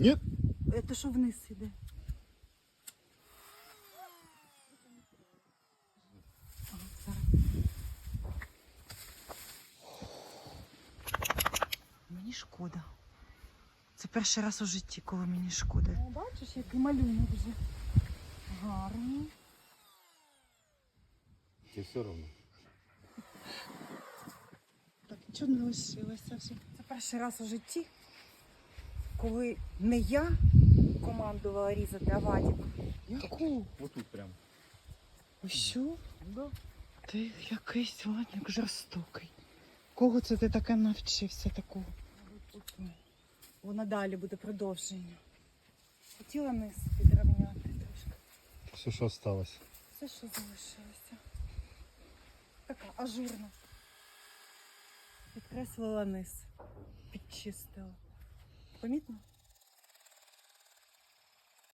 Ні. Це що вниз іде? Ага, зараз. Мені шкода. Це перший раз у житті, коли мені шкода. О, бачиш, який малюнок вже. Гарний. Тебе все одно. Так, нічого не лишилося вже. Це перший раз у житті, коли не я командувала різати, а Вадик. Яку? Отут прям. Ось що? Да. Ти якийсь Вадик жорстокий. Кого це ти таке навчився такого? Воно далі буде продовження. Хотіла низ підрівняти трошки. Все, що осталось. Все, що залишилося. Така ажурна. Підкреслила низ. Підчистила. Помітно?